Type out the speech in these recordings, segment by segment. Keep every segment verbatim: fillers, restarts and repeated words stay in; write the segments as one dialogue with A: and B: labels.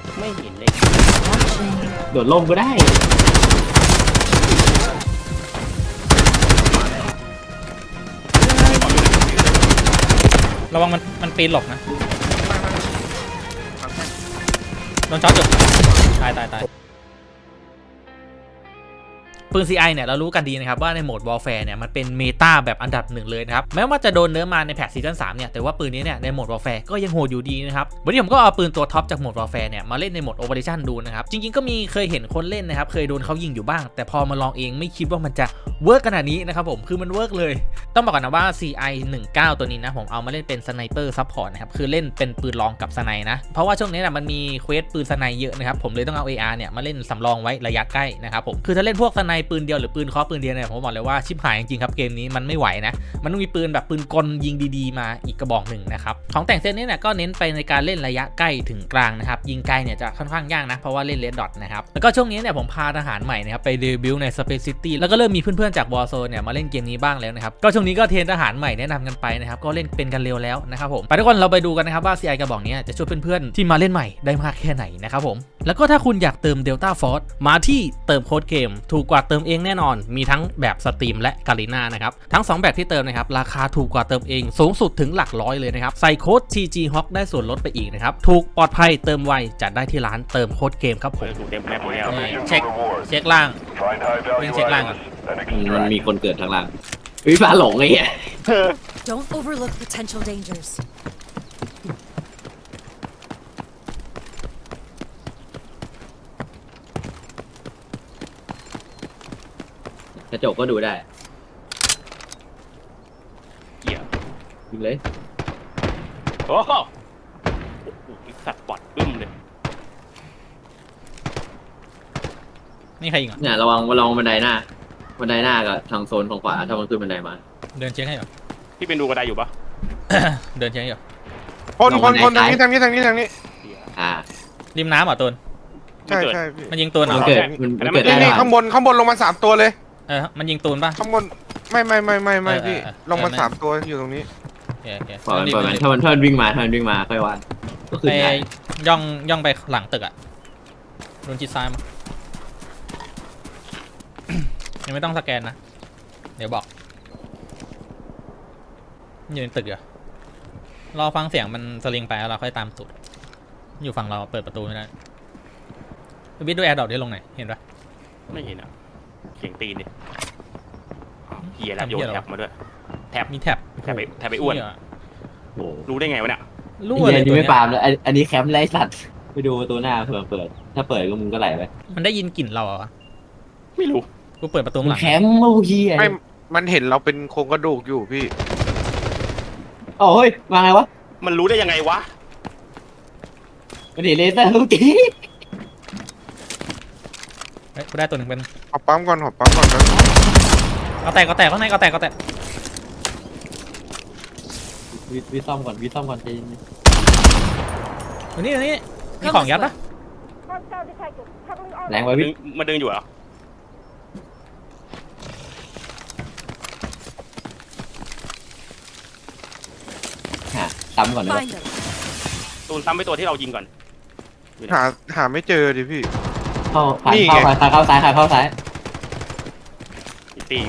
A: ไม่เห็นเลย
B: โดดล่มก็ได้
C: ระวังมันมันปีนหลบนะโดนช็อตอยู่ตายตายตายปืน ซี ไอ เนี่ยเรารู้กันดีนะครับว่าในโหมด Warfare เนี่ยมันเป็นเมตาแบบอันดับหนึ่งเลยนะครับแม้ว่าจะโดนเนื้อมาในแพทซีซั่นสามเนี่ยแต่ว่าปืนนี้เนี่ยในโหมด Warfare ก็ยังโหดอยู่ดีนะครับวันนี้ผมก็เอาปืนตัวท็อปจากโหมด Warfare เนี่ยมาเล่นในโหมด Operation ดูนะครับจริงๆก็มีเคยเห็นคนเล่นนะครับเคยโดนเขายิงอยู่บ้างแต่พอมาลองเองไม่คิดว่ามันจะเวิร์กขนาดนี้นะครับผมคือมันเวิร์กเลยต้องบอกก่อนนะว่า ซี ไอ สิบเก้า ตัวนี้นะผมเอามาเล่นเป็นสไนเปอร์ซัพพอร์ตนะครับคือเล่นเป็นปืนรองกับสไนนะเพราะว่าช่วงนี้นะมันมีเควสปืนสไนเยอะนะครับผมเลยต้องเอา เอ อาร์ เนี่ยมาเล่นสำรองไว้ระยะใกล้นะครับผมคือถ้าเล่นพวกสไนปืนเดียวหรือปืนเคาะปืนเดียวเนี่ยผมบอกเลยว่าชิบหายจริงๆครับเกมนี้มันไม่ไหวนะมันต้องมีปืนแบบปืนกลยิงดีๆมาอีกกระบอกหนึ่งนะครับของแต่งเซตนี้เนี่ยก็เน้นไปในการเล่นระยะใกล้ถึงกลางนะครับยิงไกลเนี่ยจะค่อนข้างยากนะเพราะว่าเล่นเลดดอทนะครับแล้วก็ช่วงนี้เนี่ยผมพาทหารใหม่นะครับไปเดบิวต์ใน Space City แล้วก็เริ่มมีเพื่อนๆจาก Warzone เนี่ยมาเล่นเกมนี้บ้างแล้วนะครับก็ช่วงนี้ก็เทรนทหารใหม่แนะนำกันไปนะครับก็เล่นเป็นกันเร็วแล้วนะครับผมไปทุกคนเราไปดูกันนะครับว่า ซี ไอ กระบอกนี้จะช่วยเพื่อนๆที่มาเล่นใหม่ได้มากแค่ไหนนะครับผมแล้วก็ถ้าคุณอยากเติม Delta Force มาที่เติมโค้ดเกมถูกกว่าเติมเองแน่นอนมีทั้งแบบสตรีมและกาลิน่านะครับทั้งสองแบบที่เติมนะครับราคาถูกกว่าเติมเองสูงสุดถึงหลักร้อยเลยนะครับใส่โค้ด ที จี ฮอค ได้ส่วนลดไปอีกนะครับถูกปลอดภัยเติมไวจัดได้ที่ร้านเติมโค้ดเกมครับผม
A: เต็มแม็กซ์แล้ว
C: เช็คเช็คล่างวิ่งเช็คล่างก่อน
B: มันมีคนเกิดทางล่างวิฟ้าหลงไอ้เหี้ย
D: Don't overlook potential dangers.
B: กระจกก็ดูได้
A: เกี่ยว
B: ยิงเลย
A: โอ้โหสัตว์ปอดบึ้มเลย
C: นี่ใครยิงอ่ะ
B: เนี่ยระวังระวังบันไดหน้าบันไดหน้ากับทางโซนของขวาถ้ามันขึ้นบันไดมา
C: เดินเช็คให้เหรอ
A: พี่เป็นดูกระไดอยู่ปะ
C: เดินเช็คให้เหรอ
E: คนคนคนทางนี้ทางนี้ทางนี้ทางนี้
B: อ่า
C: ริมน้ำเหรอตูน
E: ใช่ใช่พี่
C: มันยิงตูนเหรอ
B: มันเกิดมันเกิดได้
E: นี่ข้างบนข้างบนลงมาสามตัวเลย
C: เออมันยิงตูนป่ะ
E: ข้างบนไม่ไม่ไม่ไม่ไม่พี่ลงมาสามตัวอยู่ตรงนี้
B: ปล่อยมันปล่อยมันถ้ามันถ้ามันวิ่งมาถ้ามันวิ่งมาค่อยวันก็คือ
C: ไปย่องย่องไปหลังตึกอ่ะโดนจิตซ้ายมายังไม่ต้องสแกนนะเดี๋ยวบอกอยู่ในตึกเหรอรอฟังเสียงมันสลิงไปแล้วเราค่อยตามสุดอยู่ฝั่งเราเปิดประตูไม่ได้วิดดูแอร์ดรอปได้ลงไหนเห็นปะ
A: ไม่เห็นอ่ะเสียงตีนดิเฮียแล้วโยนแท็บมาด้วยแท็บ
C: มีแท็บ
A: แท็บไปแท็บไปอ้วนรู้ได้ไงวะเนี่ย
C: รู้เลย
B: ตัวนี้ไม่ปาล์มแล้วอันนี้แคมป์ไร้สัตว์ไปดูประตูหน้าเผื่อเปิดถ้าเปิดก็มึงก็ไหลไป
C: มันได้ยินกลิ่นเราเหรอ
A: ไม่รู้
C: กูเปิดประตูหลัง
B: แคมป์โอ้ย
E: ไม่มันเห็นเราเป็นโครงกระดูกอยู่พี่
B: โอ้ยมาไงวะ
A: มันรู้ได้ยังไงวะ
B: มันเห็นเลเซอร์ลูกจี
C: เฮ้ยกูได้ตัวหนึ่งเป็น
E: ขอปั๊มก่อนขอปั๊มก่อนนะ
C: ก็แตกก็แตกข้างในก็แตกก็แตก
B: วิวิซ่อมก่อนวิซ่อมก่อนใจ
C: เย็นนี่นี่มีของยัดปะ
B: แรงไว้วิ
A: มาดึงอยู่เหรอ
B: หาซ้ำก่อนนะ
A: ตูนซ้ำไปตัวที่เรายิงก่อน
E: หาหาไม่เจอดิพี่
B: เข้าเข้าเข้าเข้าซ้ายเข้าซ้าย
A: ตี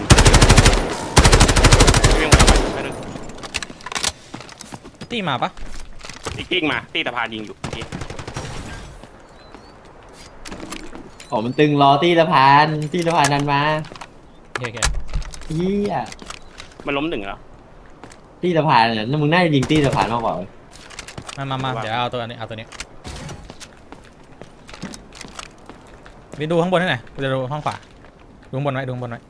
C: ตีมาปะ
A: ตีกิ้งมาตีตะพานยิงอยู่
B: อ๋อมันตึงรอตีตะพานตีตะพานนันมา
C: โอเคโอเค
B: เฮีย
A: มันล้มหนึ่งแล้ว
B: ตีตะพานเนี่ยมึงน่าจะยิงตีตะพานมากกว่า
C: มามามาเดี๋ยวเอาตัวนี้เอาตัวนี้ไปดูข้างบนให้หน่อยกูจะดูห้องขวาดูข้างบนไว้ดูข้างบนไว้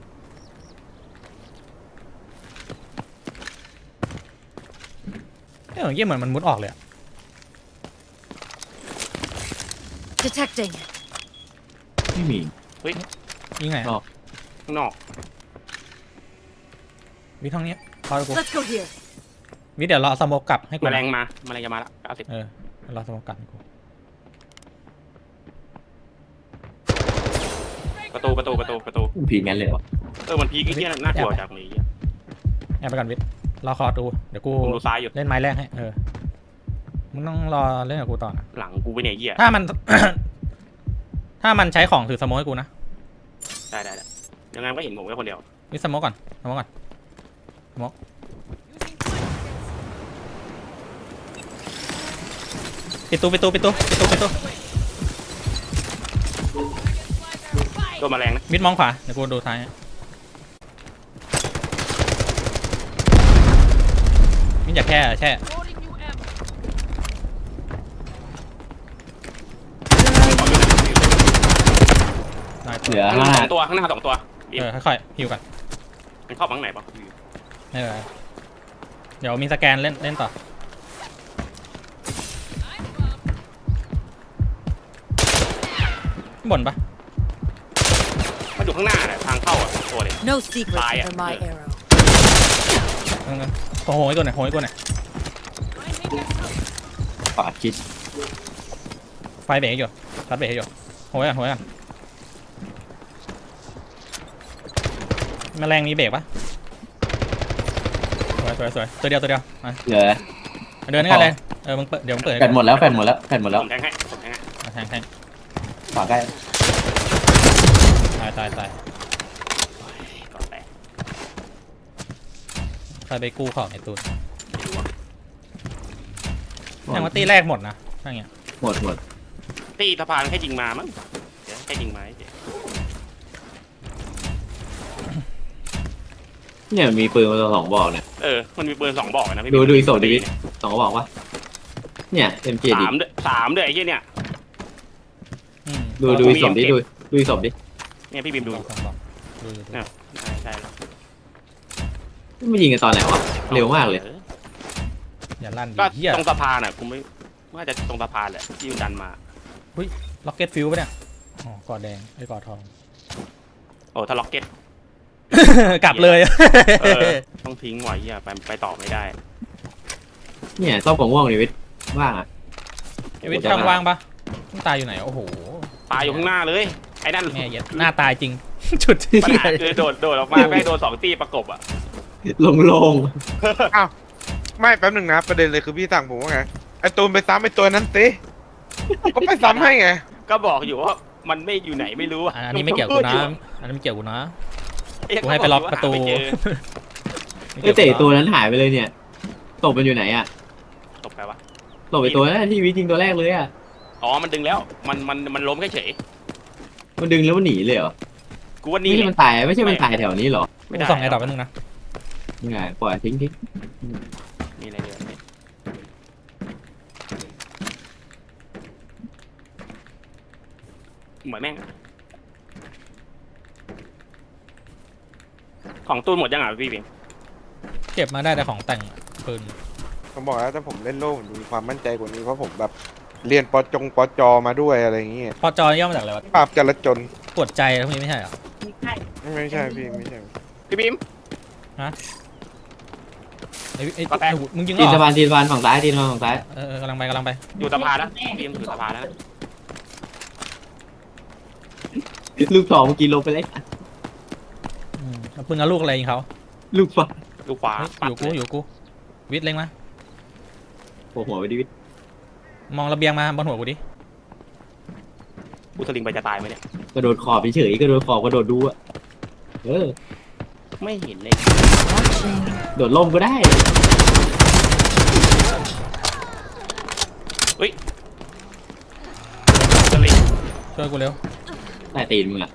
C: เฮ้ยเยี่ยเหมือนมันมุดออกเลย
D: Detecting
B: ไม่มี
A: เฮ้ย
C: ยิงไง
A: ออกข้างนอก
C: วิทย์ห้องนี้พอกู
D: Let's go here
C: วิทย์เดี๋ยวรอสโมกกลับให้กู
A: แมลงมาแมลงจะมาละเก้าสิบ
C: เออรอสโมกกลับให้กู
A: ประตูประตูประตูประตู
B: ผีงั้นเลยวะ
A: เออมันพีกี้เนี่ยน่ากลัวจากนี้
C: แอบไปก่อนวิทย์รอคอดูเดี๋ยวกู
A: ดูซ้ายอยู่
C: เล่นไม้แรกให้เออมึงต้องรอเล่นกับกูต่อนะ
A: หลังกูไปเนี่ยเหี้ย
C: ถ้ามัน ถ้ามันใช้ของถือสโมกให้กูนะ
A: ได้ได้ได้ยังไงก็เห็นผมแค่คนเดียว
C: วิสโมกก่อนสโมกก่อนสโมกปิดตู้ปิดตู้ปิดตู้ปิดตู้ปิดตู้
A: โดนแมลงนะ
C: มิดมองขวาเดี๋ยวกูดูท้ายให้มิดอย่าแค่แช่ได้
B: เหลือ
A: ข้างห
B: ห้า
A: น้าสองตัวข้างหน้าสองตัว
C: เออค่อยๆฮิวกัน
A: มันเข้าบังไหนปะ
C: ไม่เป็นไรเดี๋ยวมีสแกนเล่นเล่นต่อบ่นปะ
A: มันอยู่ข้างหน้าแหละทางเข้าอ่ะตัวเลย
D: No secrets
A: Fire.
D: under my arrow.
C: เออโอ้โหไอ้ตัวไหนโหไอ้ตัวไหน
B: ขวาคิด
C: ไฟเบรกอยู่ชัดเบรกอยู่โหยกันโหยกันแมลงมีเบรกปะสวยสวยสวยตัวเดียวตัวเดียวมา
B: เหลือ
C: เดินด้วยกันเลยเออมึงเปิดเดี๋ยวมึงเปิด
B: แฟนหมดแล้วแฟนหมดแล้วแฟนหมดแล้ว
A: ผมแทงให้ผมแทงให้
C: มาแทงแทง
B: ขวาใกล้
C: ตายตายตาย
A: ก่อนแตก
C: ใครไปกู้ของไอ้ตูน
A: ไม่รู้ว่า
C: แทงว่าตีแรกหมดนะถ้าอย่างเงี้ย
B: หมดหมด
A: ตีสะพานแค่ยิงมามั้งเดี๋ยวแค่ยิงมาเฉย
B: เนี่ยมีปืนมาสองบอกเนี่ย
A: เออมันมีปืนสองบอกนะพี่
B: ดูดูอีกศพดิวิทสองบอกวะเนี่ยเอ็มเจดิ
A: สามด้วยสามด้วยไอ้เหี้ยเนี่ย
C: อืม
B: ดูดูอีกศพดิดูดูอีกศพดิ
A: เนี่ยพี่บิมดู
C: สองสองสองดูดูดู
A: เนี่ยใช่ใช่แล้ว
B: ไม่ยิงกันตอนไหนวะเร็วมากเลย
A: ออ
C: อย่าลั่นดิ
A: ก็
C: เหี้ย
A: ตรงสะพานอ่ะกูไม่ว่าจะตรงสะพานแหละที่มันดันมา
C: ล็อกเก็ตฟิวปะเนี่ยอ๋อกอดแดงไอ้กอดทอง
A: โอ้ถ้าล็อกเก็ต
C: กลับเลย
A: เออต้องทิ้งไว้เหี้ยไปไปต่อไม่ได้
B: เนี่ยซ่อมของม่วงดิวิทว่างอ่ะ
C: ไอ้วิทย์ช่างว่างปะมันตายอยู่ไหนโอ้โห
A: ตายอยู่ข้างหน้าเลยไอ้นั่น
C: แม่เหี้ย็ดหน้าตายจริง จุดที่
A: ปัญหาคือโดดโดดออกมาไม่ให้โดนสองตีประกบอ่ะ
B: ลงลง
E: ไม่แป๊บหนึ่งนะประเด็นเลยคือพี่สั่งผมว่าไงไอตูนไปซ้ำไอตัวนั้นสิก็ไปซ้ำให้ไง
A: ก็บอกอยู่ว่ามันไม่อยู่ไหนไม่รู้อ่ะ
C: อันนี้ไม่เกี่ยวกูนะอันนี้ไม่เกี่ยวกูนะ
A: เอ๊ะ
C: กูให้ไปล็อกประตู
A: หาไม่เจอ
B: ไอเตะตัวนั้นหายไปเลยเนี่ยตบมันอยู่ไหนอ่ะ
A: ตกไปวะ
B: ตบไปตัวนั้นที่วิทยิงตัวแรกเลยอ่ะ
A: อ๋อมันดึงแล้วมันมันมันล้มแค่เฉย
B: มันดึงแล้วมันหนีเลยเหรอ
A: กูว่า
B: ไม่
A: นี่
B: ใช่มันตายไม่ใช่มันตายแถวนี้เหรอ
C: กูส่องไอ้ดอกไปนึงนะ
B: ยังไงปล่อยทิ้งทิ้ง
A: มีอะไรเดือดไหมเหมือนแม่งของตูนหมดยังอ่ะพี่บิม
C: เก็บมาได้แต่ของแต่งปืน
E: ผมบอกแล้วถ้าผมเล่นโล่ผมมีความมั่นใจกว่านี้เพราะผมแบบเรียนปจงปจมาด้วยอะไรอย่างเงี้ย
C: พอจอย่อมาจากอะไรวะ
E: ปราบจราจน
C: ปวดใจแล้วพวกนี้ไม่ใช่เหรอ
E: ไม่ใช่พี่ไม่ใช่
A: พี่บิม
C: ไอ้ไอ้
A: ก็แตก
C: ไอ้หูมึงยิงเหร
B: ตีน
C: อ
B: สะพานตีนสะพานฝั่งซ้ายตีนสะพานฝั่งซ้าย
C: เออเออกำลังไปกำลังไป
A: อยู่สะพานแล้วพี่บิมอยู่สะพานแล้วนะ
B: ลูกสองเมื่อกี้ลงไปเลย
C: อืมเอาปืนกับลูกอะไรยิงเขา
B: ลูกฟ้า
A: ดูขวา
C: เฮ้ย
A: ปั
C: อ
A: ด
C: ยู่กู
A: เลย
C: อยู่กูวิทย์เล็งมา
B: โผล่หัวไปดิวิท
C: มองระเบียงมาบนหัวกูดิ
A: กูสลิงไปจะตายไหมเนี่ย
B: กระโดดขอบเฉยๆกระโดดขอบกระโดดดูอ่ะเออ
A: ไม่เห็นเลย
D: Watching.
B: โดดล่มก็ได้
A: สลิง
C: ช่วยกูเร็ว
B: ใต้ตีนมึงอ่ะ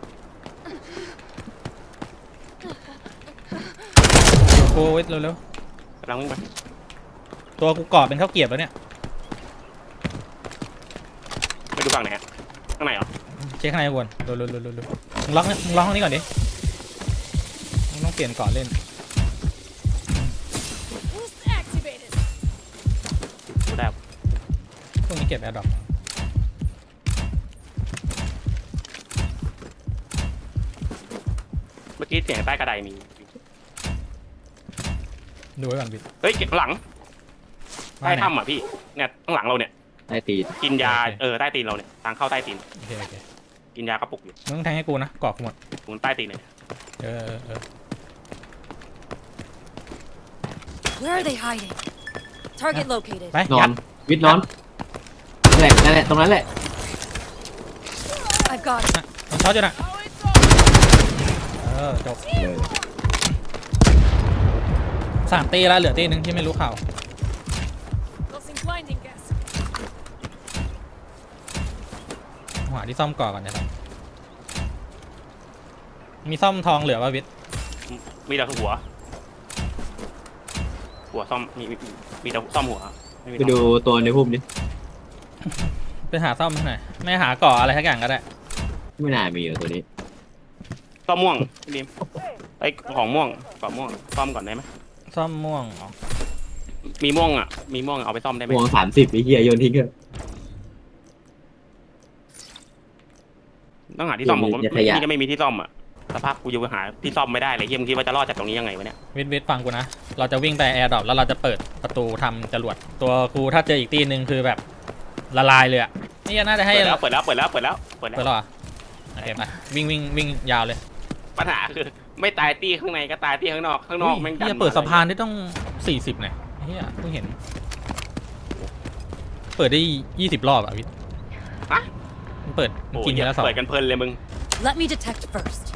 C: กูวิทย์เร็วเร็ว
A: กำลังวิ่งไป
C: ตัวกูกรอบเป็นข้าวเกรียบแล้วเนี่ย
A: ไปดูฝั่งไหนอะข้างในเหรอ
C: เช็คข้างในก่อนเร็วเร็วเร็วเร็วเร็วมึงล็อกเนี่ยมึงล็อกห้องนี้ก่อนดิมึงต้องเปลี่ยนก่อนเล่น
A: ดูได้
C: พวกนี้เก็บแอร์ดรอป
A: เมื่อกี้เสียงใต้กระไดมี
C: ดูไว้ก่อนบิด
A: เฮ้ยเก็บข้างหลังใต้
C: ว่าไหน
A: ถ้ำอ่ะพี่เนี่ยข้างหลังเราเนี่ย
B: ใต้ตีน
A: กินยา
C: โอเค
A: เออใต้ตีนเราเนี่ยทางเข้าใต้ตีน
C: โอเคโอเค
A: กินยากระปุกอยู่
C: มึงต้องแทงให้กูนะกรอบกูหมด
A: ตรงใต้ตีนเลย
C: เออเออเออ
D: Where are they hiding? Target located.
C: ไป
B: นอ
C: ยั
B: น
C: ด
B: วิทย์ร้อนนั่นแหละนั่นแหละตรงนั้นแหละ
D: I've got it.
C: มันช็อตอยู่นะเออจบสามตีแล้วเหลือตีหนึ่งที่ไม่รู้ข่าว
D: Tossing blinding gas.
C: หาที่ซ่อมก่อก่อนนะครับมีซ่อมทองเหลือป่ะวิทย์
A: มีแต่หัว หัวซ่อมมีมีมีแต่ซ่อมหัวม่มี
B: ไปดูตัวในพุ่มดิ
C: ไปหาซ่อมที่ไหนไม่หาก่ออะไรทักอย่างก็ได้
B: ไม่น่ามีอยู่ตัวนี้
A: ซ่อมม่วงพี่ดิมไอ้ยของม่วงก่อนม่วงซ่อมก่อนได้ไหม
C: ซ่อมม่วงอ๋อ
A: มีม่วงอ่ะมีม่วงเอาไปซ่อมได้ไหม
B: วงสามสิบไอ้เหี้ยโยนทิ้งเถอะ
A: ต้องหาที่ซ่อมผมว่า
B: อย่าข
A: ไม่
B: ยะ
A: นี่ก็ไม่มีที่ซ่อมอ่ะสภาพกูอยู่หาที่ซ่อมไม่ได้เลยเฮียมึงคิดว่าจะรอดจากตรงนี้ยังไงวะเนี่ย
C: วิทย์วิทย์ฟังกูนะเราจะวิ่งไปแอร์ดรอปแล้วเราจะเปิดประตูทำจรวดตัวกูถ้าเจออีกตีหนึ่งคือแบบละลายเลยอะนี่น่าจะให้
A: เปิดแล้วเปิดแล้วเปิดแล้วเปิดแล้วเปิด
C: เปิด
A: แล้ว
C: แล้วเหรอโอเคไปวิ่งวิ่งวิ่งยาวเลย
A: ปัญหาคือไม่ตายตีข้างในก็ตายตีข้างนอกข้างนอกแม่งดัน
C: เฮีย
A: มา
C: เปิดสะพานได้ต้องสี่สิบเนี่ยเฮียเพิ่งเห็น เปิดได้ยี่สิบรอบอะวิทย์
A: ฮะ
C: มันเปิด
A: โอ้
C: กิน
A: ย
C: ทีละสอง
A: เปิดกันเพลินเลยมึง
D: Let me detect first.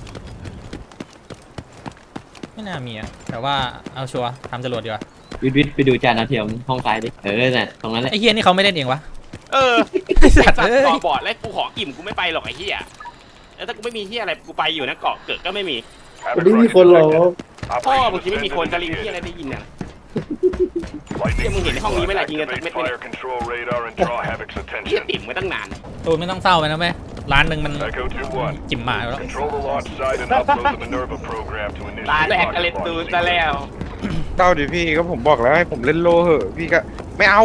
C: ไม่น่ามีอะแต่ว่าเอาชัวร์ทำจรวดดีกว่า
B: วิทย์วิทย์ไปดูจานดาวเทียมห้องซ้ายดิเออน่ะตรงนั้นแหละ
C: ไอ้เฮียนี่เขาไม่เล่นเองวะ
A: เออ
C: ไอ้
A: ไอ้
C: สั
A: สั
C: ต
A: ต
C: ว์
A: ว์
C: เอ้ย
A: เกาะบอดแล้วกูขออิ่มกูไม่ไปหรอกไอ้เหี้ยแล้วถ้ากูไม่มีเหี้ยอะไรกูไปอยู่นะเกาะเกิดก็ไม่มี
F: วันนี้มีคนรอ
A: พ่อมึงคิดไม่มีคนสลิงเหี้ยอะไรได้ยินอ่ะเหี้ยมึงเห็นในห้องนี้ไหมล่ะยิงกันสักเม็ดไหมเนี่ยเหี้ยติ่มมาตั้งนาน
C: ตูนไม่ต้องเศร้าไปนะแม่ร้านหนึ่งมันจิ๋มหมาอยู่แล้ว
A: ตาแรกก็เล่นตูนซะแล้ว
E: เต้าดิพี่ก็ผมบอกแล้วให้ผมเล่นโลเหอะพี่ก็ไม่เอา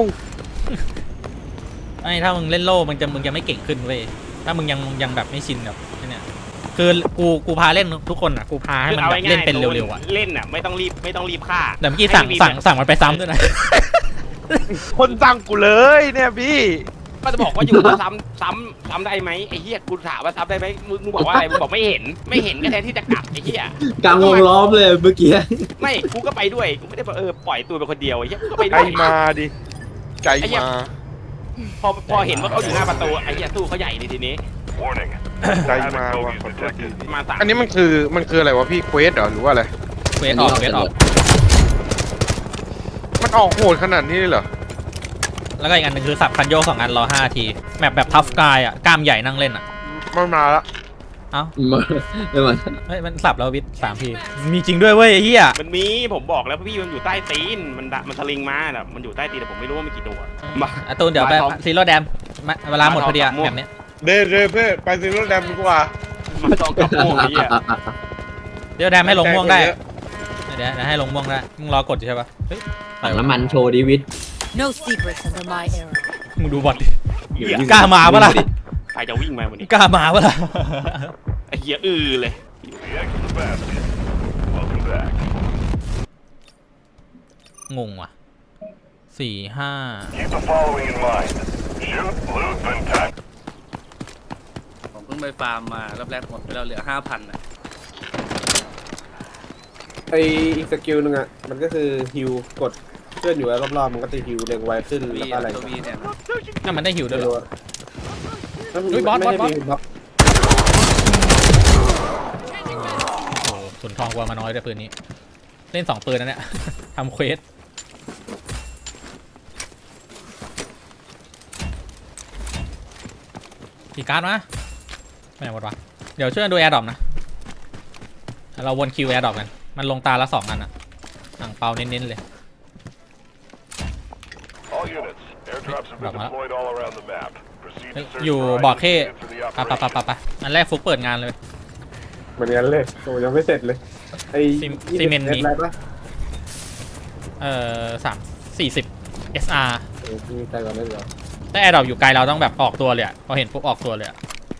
C: ไอ้ถ้ามึงเล่นโล่มึงจะมึงจะไม่เก่งขึ้นเว้ยถ้ามึงยังยังแบบไม่ชินแบบเนี่ยคือกูกูพาเล่นทุกคนอ่ะกูพาให้มันแบบเล่นเป็นเร็วๆอ่ะ
A: เล่นอ่ะไม่ต้องรีบไม่ต้องรีบฆ่า
C: แต่เมื่อกี้สั่งสั่งสั่งมันไปซ้ำด้วยนะ
E: คนสั่งกูเลยเนี่ยพี่
A: ก็จะบอกว่าอยู่ซ้ำซ้ำซ้ำได้ไหมไอ้เหี้ยกูถามว่าซ้ำได้ไหมมึงมึงบอกว่าอะไรมึงบอกไม่เห็นไม่เห็นก็แทนที่จะกลับไอ้เหี้ย
B: กลางวงล้อมเลยเมื่อกี้
A: ไม่กูก็ไปด้วยกูไม่ได้บอกเออปล่อยตัวเป็นคนเดียวไอ้เหี้ยกูก็ไป
E: ใจ
A: ด้วย
E: มาดิใจ
A: ไอ้เหี้ย
E: มา
A: พอพอเห็นว่าเขาอยู่หน้าประตูไอ้เหี้ยสู้เขาใหญ่เลยทีนี้
E: ใจมาว่ะขอโทษที
A: มาสาม
E: อันนี้มันคือมันคืออะไรวะพี่เควสเหรอหรือว่าอะไร
C: เวทออกเวทออก
E: มันออกโหดขนาดนี้เลยเหรอ
C: แล้วก็อีกอันหนึ่งคือสับคันโยกสองอันรอห้าทีแมปแบบทัฟกายอ่ะกล้ามใหญ่นั่งเล่นอ่ะ
E: มันมาละ
C: เอ้า
B: ไม่มา
C: เฮ้ยมันสับแล้ววิทสามทีมีจริงด้วยเว้ยไอ้เหี้ย
A: มันมีผมบอกแล้วพี่มันอยู่ใต้ตีนมันดะมันสลิงมาน่ะมันอยู่ใต้ตีนแต่ผมไม่รู้ว่ามีกี่ตัวมา
C: อ่ะตูนเดี๋ยวไปซีโร่แดมมาเวลาหมดพอดีอะ
A: มาทองกับม่วง
C: แบบเนี้ย
E: เดินเดินเพื่อไปซื้อรถแดมดีกว่า
A: มาต้องกับม่วงไอ้เหี้ย
C: เดี๋ยวแดมให้ลงม่วงได้
E: เยอะ
C: เดี๋ยวเดี๋ยวให้ลงม่วงได้มึงรอกดอยู่ใช่ปะเฮ้ย
B: ถังน้ำมันโชว์ดิวิทย์
D: No secrets under my arrow.
C: มึงดูบอลดิ กล้ามาปะล่ะ
A: ใครจะวิ่งมาวันนี้
C: กล้ามาปะล่ะ
A: ไอ้เหี้ยอือเลย
C: งงว่ะสี่ห้า
G: ผมเพิ่งไปฟาร์มมารอบแรกหมดไปแล้วเหลือห้าพันอ่ะ
F: ไออีกสกิลหนึงอ่ะ มันก็คือฮิวกดเคลื่อนอยู่รอบๆมันก็จะฮิวเร็งไวขึ้น
G: วี
F: แล้วก็อะไร
G: ตัววีเนี่ยนะ
C: นั่นมันได้หิวด้วย
F: ไม่
C: เหร
F: รู้
C: อ
F: อะ
C: เฮ้ยบอส
F: ไม่ใช่
C: บอส
F: มีบอส
C: โอ้โหสุนทองกว่ามาน้อยด้วยปืนนี้ เล่นสองปืนนะเนี่ย ทำเควสกี่การ์ดมาไม่ไหนหมดวะเดี๋ยวช่วยกันดูแอร์ดรอปนะ เราวนคิวแอร์ดรอปกัน มันลงตาละสองอันอะอ่างเปาเน้นๆเลย ดรอปมาแล้วเฮ้ยอยู่บอร์ดเข้ปะปะปะปะปะอันแรกฟุกเปิดงานเลย
F: เหมือนกันเลยโอ้ยังไม่เสร็จเลยไอ
C: ซี
F: ยี่
C: ซี
F: สิบ
C: เมนต์
F: เมต
C: มี
F: รอะไรปะ
C: เอ่อสามสี่สิบ เอส อาร์
F: เออมีใจก่อนได้เหรอ
C: ถ้าแอร์ดรอปอยู่ไกลเราต้องแบบออกตัวเลยอะพอเห็นปุ๊บออกตัวเลยอะ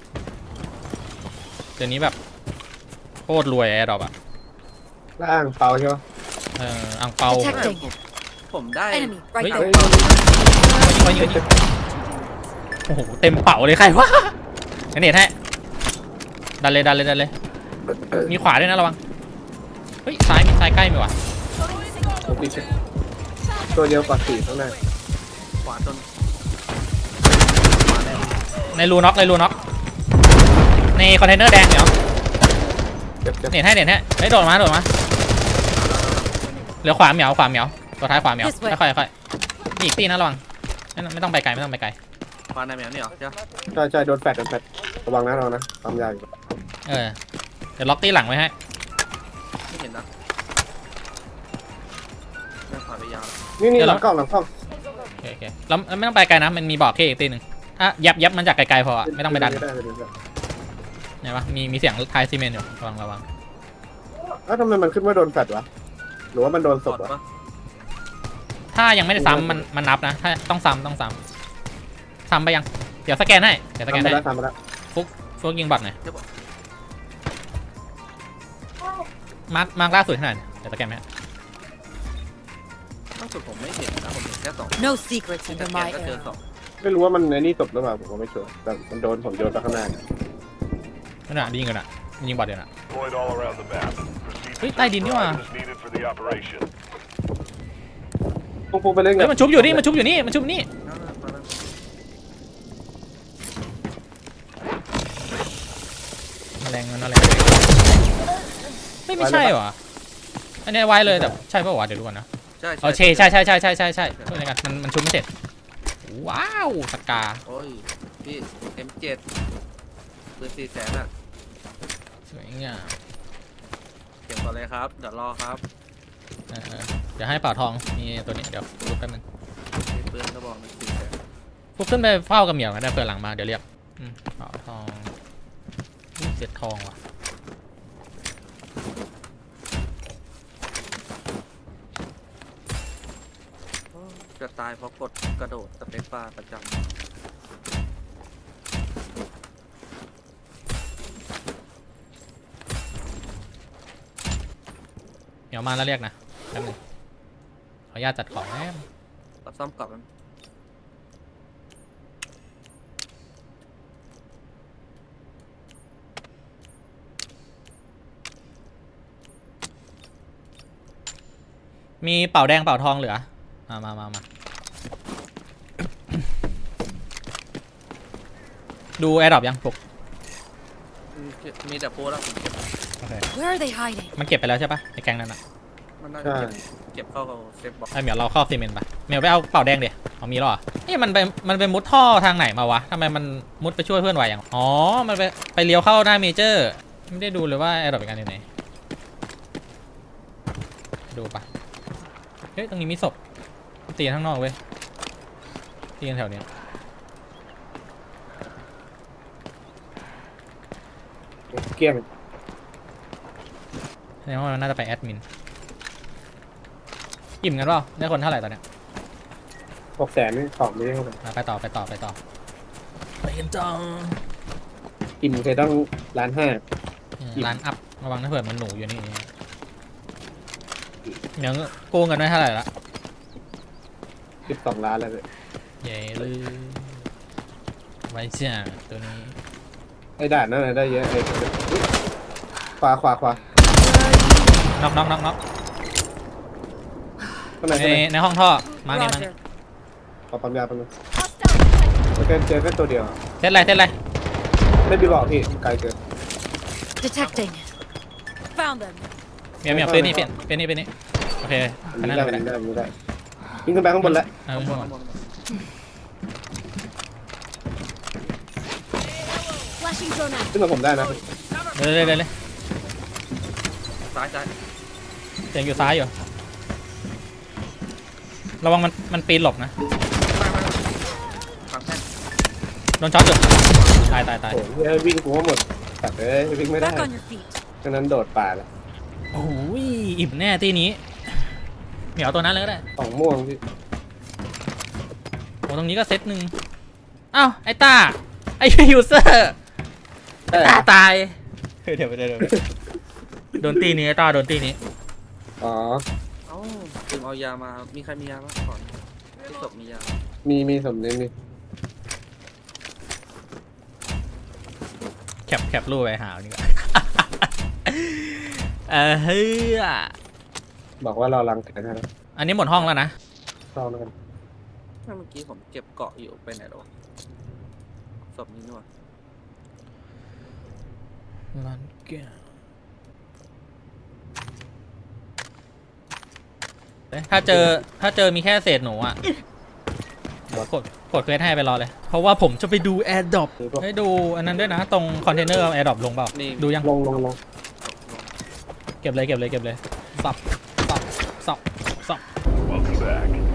C: เดี๋ยวนี้แบบโคตรรวยแอร์ดรอปอะ
F: ล่างเปาใช่ปะ
C: เอ่ออังเปา
D: Detecting.
G: ผมได้
D: Enemy right
C: เฮ้ย
D: there.
C: ยิงยิงยิงโอ้โหเต็มเป๋าเลยใครวะงั้นเน็ตให้ดันเลยดันเลยดันเลยมีขวาด้วยนะระวังเฮ้ยซ้ายมีซ้ายใกล้มีว่ะ
F: ผมติดตัวเดียวกว่าสี่ข้างหน้า
G: ขวาจน
C: ในรูน็อกในรูน็อกในคอนเทนเนอร์แดงเดี๋ยว
F: เจ็บเจ็บ
C: เน็ตให้เน็ตให้เฮ้ยโดดมาโดดมาเหลือขวาเหมียวขวาเหมียวตัวท้ายขวาเหมียวค่อยๆค่อยๆอีกตีนะระวังไม่ไม่ต้องไปไกลไม่ต้องไปไกล
G: ขวาในแมวนี่เหรอใช่ปะ
F: ใช่ใช่โดนแฟดโดนแฟดระวังนะระวังนะทำยากอยู่
C: เออเดี๋ยวล็อกตีหลังไว้ให้
G: ไม่เห็นนะไม่ขวาไปยาว
F: นี่นี่หลังกล้องหลังกล้อง
C: โอเคโอเคแล้วแล้วไม่ต้องไปไกลนะมันมีบอกแค่อีกตีหนึ่งอ่ะยับยับมันจากไกลๆพอไม่ต้องไปดัน
F: ด้ด้ได้ได้
C: ไงวะมีมีเสียงท้ายซีเมนต์อยู่ระวังระวัง
F: เอ้าทำไมมันขึ้นว่าโดนแฟดวะหรือว่ามันโดนศ
G: ส
F: พ
G: ด
F: วะ
G: ปะ
C: ถ้ายังไม่ได้ซ้ำมันมันนับนะถ้าต้องซ้ำต้องซ้ำซ้ำไปยังเดี๋ยวสแกนให้เดี๋ยวสแก
F: ทำ
C: น
F: ไป
C: ให้
F: แล้วทำไปแล้ว
C: ฟุกฟุกยิงบอทหน่อยมาร์คมาร์คล่าสุดขนาดเดี๋ยวสแกนไหม
G: ล่าสุดผมไม่เห็นนะผมเห็นแค่สอง
D: No secrets
G: แต่
D: under
G: แก
D: my
G: ก็เจอ
D: arrow.
G: สอง
F: ไม่รู้ว่ามันในนี่ศพหรือเปล่าผมก็ไม่ชัวร์แต่มันโดนผมโยนไปข้างหน้า
C: นั่นน่ะยิงกันอ่ะยิงบอทเดี๋ยวน่ะ
A: Deployed all around the map. Proceed to
C: เฮ้ยใต้ดินนี่หว่า
A: items needed for the operation.
F: ปุ๊บปุ๊บไปเล่นกั
C: เฮ้
F: น
C: ยมันชุบอยู่นี่มันชุบอยู่นี่มันชุบนี่
G: นั่นน่ะมาแล้ว
C: แมลงมันแมลงไม่ไม่ใช่หรออันนี้ไว้เลยแต่ใช่ป่าววะเดี๋ยวดูก่อนนะ
G: ใช่
C: โอเคใช่ใช่ใช่ใช่ใช่ใช่ช่วยกันมันมันชุบไม่เสร็จว้าวสกา
G: โอ้ยพี่ เอ็ม เจ็ด ปืนสี่แสนอ่ะ
C: สวยงาม
G: เก็บก่อนเลยครับเดี๋ยวรอครับ
C: เออเดี๋ยวให้เป่าทองมีตัวนี้เดี๋ยวลุกแป๊บนึง
G: มีปืนกระบอกหนึ่งสี่แสน
C: ฟุกขึ้นไปเฝ้ากับเหมียวกันได้เผื่อหลังมาเดี๋ยวเรียกอืมเป่าทองอุ๊ยเสร็จทองว่ะ
G: จะตายเพราะกดกระโดดสเปซบาร์ประจำ
C: เหมียวมาแล้วเรียกนะแป๊บนึงขออนุญาตจัดของแป๊บ
G: รับซ่อมกลับมัน
C: มีเป่าแดงเป่าทองเหลือมามามามาดูแอร์ดรอปยังฟุก
G: อืมมีแต่โพสแล้วผมเก็บ
C: โอเค
D: Where are they hiding?
C: มันเก็บไปแล้วใช่ปะในแกงนั้นอ่ะ
G: มันน่าจะเก็บเก็บเข้ากับเซฟบ็อกซ์
C: ไอเหมียวเราครอบซีเมนต์ปะเหมียวไปเอาเป่าแดงเดี๋ยวเอามีหรอนี่มันไปมันไปมุดท่อทางไหนมาวะทำไมมันมุดไปช่วยเพื่อนไวอย่างอ๋อมันไปไปเลี้ยวเข้าหน้าเมเจอร์ไม่ได้ดูเลยว่าแอร์ดรอปเป็นการยังไงดูปะเฮ้ยตรงนี้มีศพตีกันข้างนอกเว้ยตีกันแถวเนี้ย
F: เกลี้ยง
C: แสดงว่ามันน่าจะไปแอดมินอิ่มกันเปล่าได้คนเท่าไหร่ตอนเนี้ย
F: หกแสนนี่ของไม่ได้เท่าไหร่
C: อ่ะไปต่อไปต่อไปต่อไปกันต่อ
F: กินเคยต้องล้านห้า
C: ร้านอัพระวังนะเผื่อมันหนูอยู่นี่เดี๋ยวโกงกันได้เท่าไหร่ละ
F: สิบสองล้านแล้วเลย
C: เย้เลยไว้จ้าตัวนี้
F: ไอ้ด่านนั่นนะได้เยอะไอ้ขวาขวาขวา
C: น็อกน็อกน็อกน็อก
F: ข้างใน
C: ใน
F: ข้างใน
C: ในห้องท่อมาเนี่ยมา
D: Roger.
F: ขอปั๊มยาปั๊มยา
D: Hostile.
F: แล้วก็เจอแค่ตัวเดียว
C: เซตอะไรเซตอะไร
F: ไม่ได้บอกพี่ไกลเกิน
D: Detecting. Found them.
C: เมียเมียเป็นนี่เป็นเป็นนี่เป็นนี่โอเค
F: อัน
C: อัน
F: นี้
C: นั้น
F: ได้
C: ไป
F: อัน
C: ได้
F: นี้ได้อันนี้ได้ยิงขึ้นไปข้างบนแล้ว
C: เออ
G: ข้างบ
C: ข้าง
G: น
C: บน
G: ข้างบน
D: Flashing drone out.
F: ขึ้นมาผมได้นะ
C: เดี๋ยวเดี๋ยวเดี๋ยวเลย
G: ซ้ายซ้าย
C: เสียงอยู่ซ้ายอยู่ระวังมันมันปีนหลบนะ
G: ไม่ไม่ฝั่งแท่น
C: โดนช็อตจุดตายตายตาย
F: โอ้โหเฮ้ยวิ่งกูว่าหมดแต่เอ้ยวิ่งไม่ได้
D: Back on your feet.
F: ฉะนั้นโดดป่าแล้ว
C: โอ้ยอิ่มแน่ตีนี้เหมียวตัวนั้นเลยก็ได้
F: สองม่วงพี่
C: โอ้ตรงนี้ก็เซตหนึ่งอ้าวไอ้ตาไอ้ยูเซอร์
F: แต่
C: ตาตายเดี๋ยวไปเดี๋ยวโดนตีนี้ไอ้ตาโดนตีนี้
F: อ๋อ
G: เอ้าลืมเอายามามีใครมียาบ้างก่อนที่ศพมียา
F: มีมีสมเน้นมี
C: แคปแคปรูปไปหาดีกว่า เออเฮ้ย
F: บอกว่าเราลังแขนให้แล้ว
C: อันนี้หมดห้องแล้วนะ
F: ลองแล้วกัน
G: ถ้าเมื่อกี้ผมเก็บเกาะอยู่ไปไหนแล้ววะศพนี้นี่หว่า
C: ลันเกียถ้าเจอถ้าเจอมีแค่เศษหนูอ่ะกดกดเควสให้ไปรอเลย เพราะว่าผมจะไปดูแอร์ดรอปให้ดูอันนั้นด้วยนะ ตรงคอนเทนเนอร์แอร์ดรอปลงเปล่า
G: นี่
C: ดูยัง
F: ลงลงลง
C: เก็บเลยเก็บเลยเก็บเลยสับสับสับสับ
A: Welcome back.